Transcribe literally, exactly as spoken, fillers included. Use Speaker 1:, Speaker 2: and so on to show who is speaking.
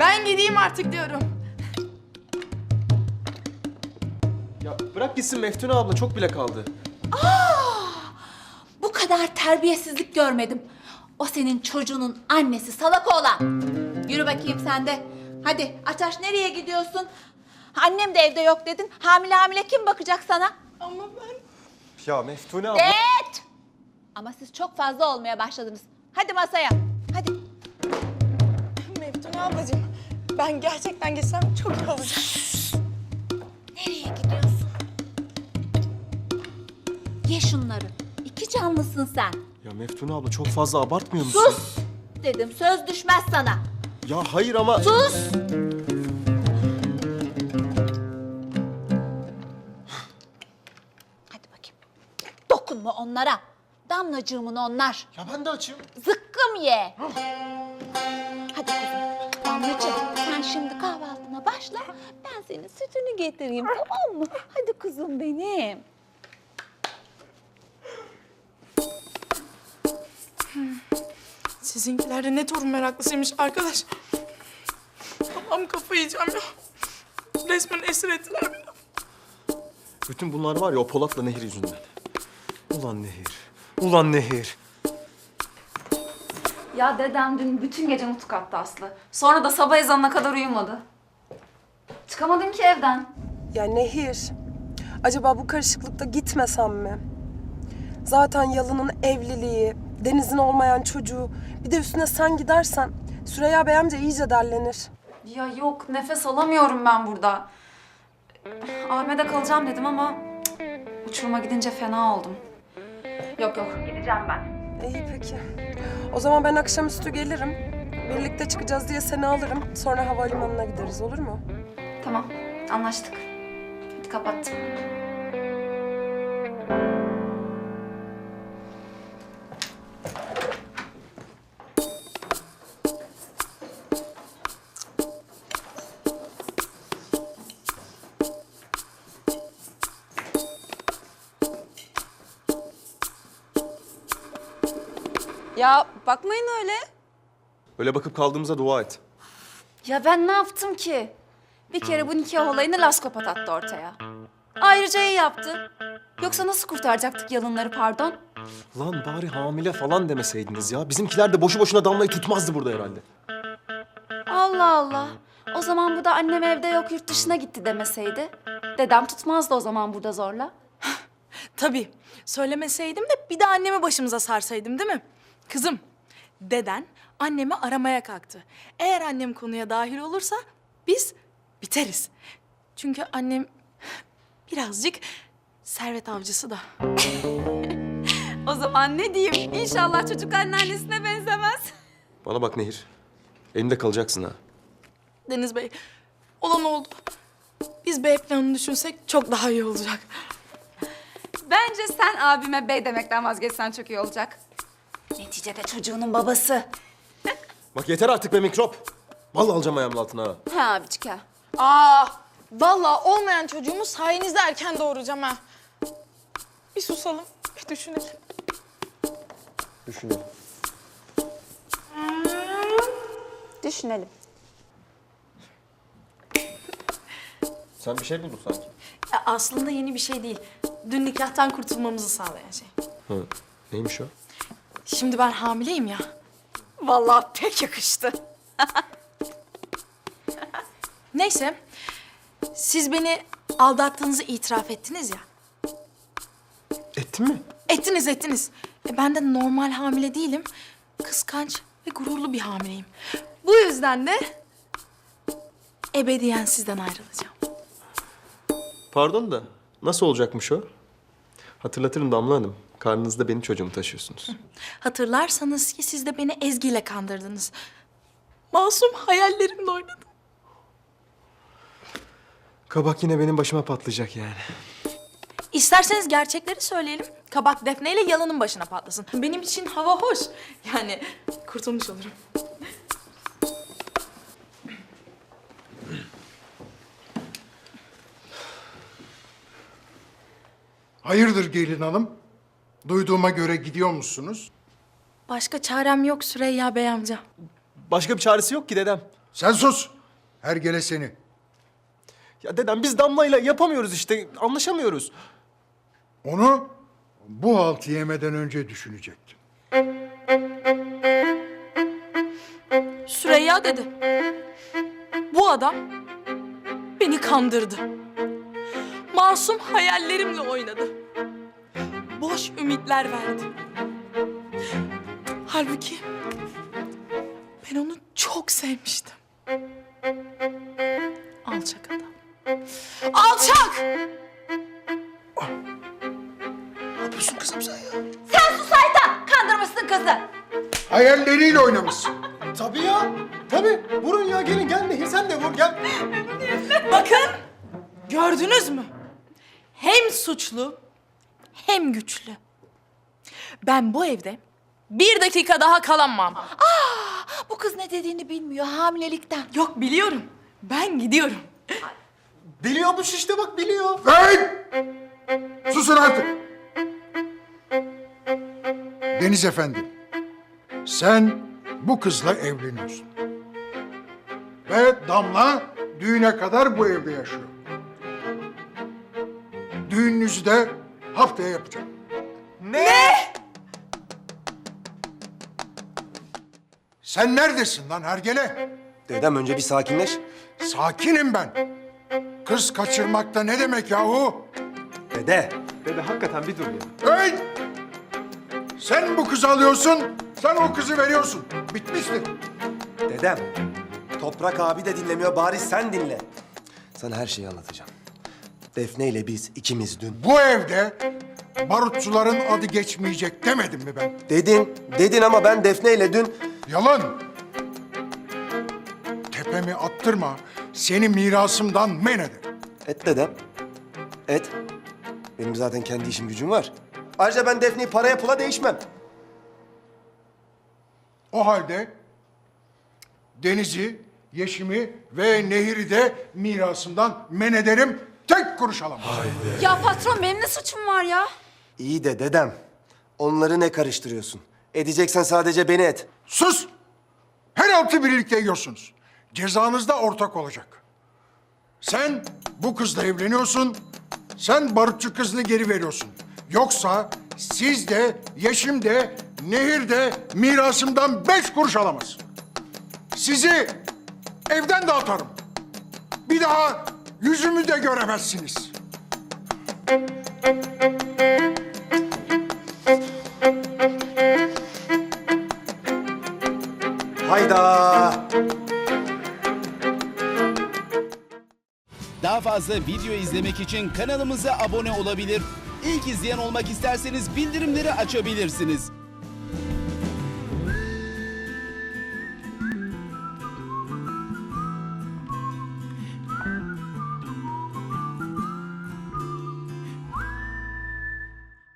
Speaker 1: Ben gideyim artık diyorum.
Speaker 2: Ya bırak gitsin Meftune abla, çok bile kaldı.
Speaker 3: Bu kadar terbiyesizlik görmedim. O senin çocuğunun annesi salak oğlan. Yürü bakayım sen de. Hadi Ataş, nereye gidiyorsun? Annem de evde yok dedin. Hamile hamile kim bakacak sana?
Speaker 1: Ama ben...
Speaker 2: Ya Meftune abla...
Speaker 3: Evet. Ama siz çok fazla olmaya başladınız. Hadi masaya. Hadi.
Speaker 1: Meftune ablacığım, ben gerçekten gitsem çok iyi olacak.
Speaker 3: Nereye gidiyorsun? Ye şunları. İki canlısın sen.
Speaker 2: Ya Meftune abla, çok fazla abartmıyor musun?
Speaker 3: Sus dedim. Söz düşmez sana.
Speaker 2: Ya hayır ama...
Speaker 3: Sus. Hadi bakayım. Dokunma onlara. Damlacığımın onlar.
Speaker 2: Ya ben de açım.
Speaker 3: Zıkkım ye. Hadi kızım. Damlacığım, sen şimdi kahvaltına başla. Ben senin sütünü getireyim, tamam mı? Hadi kuzum benim.
Speaker 1: Sizinkiler de ne torun meraklısıymış arkadaş. Allah'ım kafayı yiyeceğim ya. Resmen esir ettiler beni.
Speaker 2: Bütün bunlar var ya o Polat'la Nehir yüzünden. Ulan Nehir. Ulan Nehir.
Speaker 4: Ya dedem dün bütün gece nutuk attı Aslı. Sonra da sabah ezanına kadar uyumadı. Çıkamadım ki evden.
Speaker 5: Ya Nehir, acaba bu karışıklıkta gitmesem mi? Zaten Yalın'ın evliliği, Deniz'in olmayan çocuğu, bir de üstüne sen gidersen Süreyya Bey amca iyice derlenir.
Speaker 4: Ya yok, nefes alamıyorum ben burada. Ahmet'e kalacağım dedim ama cık, uçuruma gidince fena oldum. Yok yok, gideceğim ben.
Speaker 5: İyi peki. O zaman ben akşamüstü gelirim. Birlikte çıkacağız diye seni alırım. Sonra havalimanına gideriz, olur mu?
Speaker 4: Tamam, anlaştık. Hadi kapattım.
Speaker 6: Ya bakmayın öyle.
Speaker 2: Öyle bakıp kaldığımıza dua et.
Speaker 4: Ya ben ne yaptım ki? Bir kere bu nikah olayını laskopat attı ortaya. Ayrıca iyi yaptı. Yoksa nasıl kurtaracaktık yalınları, pardon?
Speaker 2: Lan bari hamile falan demeseydiniz ya. Bizimkiler de boşu boşuna Damla'yı tutmazdı burada herhalde.
Speaker 4: Allah Allah. O zaman bu da annem evde yok, yurt dışına gitti demeseydi. Dedem tutmazdı o zaman burada zorla.
Speaker 1: Tabii. Söylemeseydim de bir de annemi başımıza sarsaydım değil mi? Kızım, deden annemi aramaya kalktı. Eğer annem konuya dahil olursa biz biteriz. Çünkü annem birazcık servet avcısı da.
Speaker 4: O zaman ne diyeyim? İnşallah çocuk anneannesine benzemez.
Speaker 2: Bana bak Nehir. Elimde kalacaksın ha.
Speaker 1: Deniz Bey, olan oldu. Biz B planını düşünsek çok daha iyi olacak.
Speaker 4: Bence sen abime bey demekten vazgeçsen çok iyi olacak. Neticede çocuğunun babası.
Speaker 2: Bak yeter artık be mikrop. Vallahi alacağım ayağımın altına ha.
Speaker 4: Ha abicik ha.
Speaker 1: Aa, vallahi olmayan çocuğumu sayenizde erken doğuracağım ha. Bir susalım, bir düşünelim.
Speaker 2: Düşünelim.
Speaker 4: Düşünelim.
Speaker 2: Sen bir şey buldun sanki.
Speaker 1: Ya aslında yeni bir şey değil. Dün nikahtan kurtulmamızı sağlayan şey.
Speaker 2: Hı. Neymiş o?
Speaker 1: Şimdi ben hamileyim ya.
Speaker 4: Vallahi pek yakıştı.
Speaker 1: Neyse, siz beni aldattığınızı itiraf ettiniz ya.
Speaker 2: Ettin mi?
Speaker 1: Ettiniz, ettiniz. E, ben de normal hamile değilim. Kıskanç ve gururlu bir hamileyim. Bu yüzden de ebediyen sizden ayrılacağım.
Speaker 2: Pardon da nasıl olacakmış o? Hatırlatırım Damla Hanım. Karnınızda benim çocuğumu taşıyorsunuz.
Speaker 1: Hatırlarsanız ki siz de beni Ezgi ile kandırdınız. Masum hayallerimle oynadım.
Speaker 2: Kabak yine benim başıma patlayacak yani.
Speaker 1: İsterseniz gerçekleri söyleyelim. Kabak Defne ile Yalın'ın başına patlasın. Benim için hava hoş. Yani kurtulmuş olurum.
Speaker 7: Hayırdır gelin hanım? Duyduğuma göre gidiyor musunuz?
Speaker 1: Başka çarem yok Süreyya Bey amca.
Speaker 2: Başka bir çaresi yok ki dedem.
Speaker 7: Sen sus! Hergele seni.
Speaker 2: Ya dedem biz Damla'yla yapamıyoruz işte. Anlaşamıyoruz.
Speaker 7: Onu bu haltı yemeden önce düşünecektin.
Speaker 1: Süreyya dedi. Bu adam beni kandırdı. Masum hayallerimle oynadı. Boş ümitler verdi. Halbuki ben onu çok sevmiştim. Alçak adam. Alçak!
Speaker 2: Ne yapıyorsun kızım sen ya?
Speaker 3: Sen sus Ayten! Kandırmışsın kızı.
Speaker 7: Hayalleriyle oynamışsın.
Speaker 2: Tabii ya. Tabii. Vurun ya gelin gel Nehir sen de vur gel.
Speaker 1: Bakın, gördünüz mü? Hem suçlu hem güçlü. Ben bu evde bir dakika daha kalamam.
Speaker 3: Bu kız ne dediğini bilmiyor hamilelikten.
Speaker 1: Yok biliyorum. Ben gidiyorum.
Speaker 2: Biliyormuş işte bak biliyor.
Speaker 7: Hey! Susun artık. Deniz Efendi, sen bu kızla evleniyorsun. Ve Damla düğüne kadar bu evde yaşıyor. Düğününüzü de haftaya yapacağım.
Speaker 2: Ne?
Speaker 7: Sen neredesin lan Hergele?
Speaker 8: Dedem önce bir sakinleş.
Speaker 7: Sakinim ben. Kız kaçırmakta ne demek yahu?
Speaker 8: Dede.
Speaker 2: Dede hakikaten bir dur ya.
Speaker 7: Hey! Sen bu kızı alıyorsun, sen o kızı veriyorsun. Bitmiştir.
Speaker 8: Dedem. Toprak abi de dinlemiyor, bari sen dinle. Sana her şeyi anlatacağım. Defne ile biz ikimiz dün...
Speaker 7: Bu evde barutçuların adı geçmeyecek demedim mi ben?
Speaker 8: Dedin, dedin ama ben Defne ile dün...
Speaker 7: Yalan. Tepemi attırma, seni mirasımdan men ederim.
Speaker 8: Et dedem. Et. Benim zaten kendi işim gücüm var. Ayrıca ben Defne'yi paraya pula değişmem.
Speaker 7: O halde Deniz'i, Yeşim'i ve Nehir'i de mirasımdan men ederim. Tek kuruş alamam.
Speaker 4: Ya patron benim ne suçum var ya?
Speaker 8: İyi de dedem. Onları ne karıştırıyorsun? Edeceksen sadece beni et.
Speaker 7: Sus! Her altı birlikte yiyorsunuz. Cezanız da ortak olacak. Sen bu kızla evleniyorsun, sen barutçu kızını geri veriyorsun. Yoksa siz de, Yeşim de, Nehir de mirasımdan beş kuruş alamaz. Sizi evden de atarım. Bir daha yüzümü de göremezsiniz.
Speaker 8: Hayda!
Speaker 9: Daha fazla video izlemek için kanalımıza abone olabilir. İlk izleyen olmak isterseniz bildirimleri açabilirsiniz.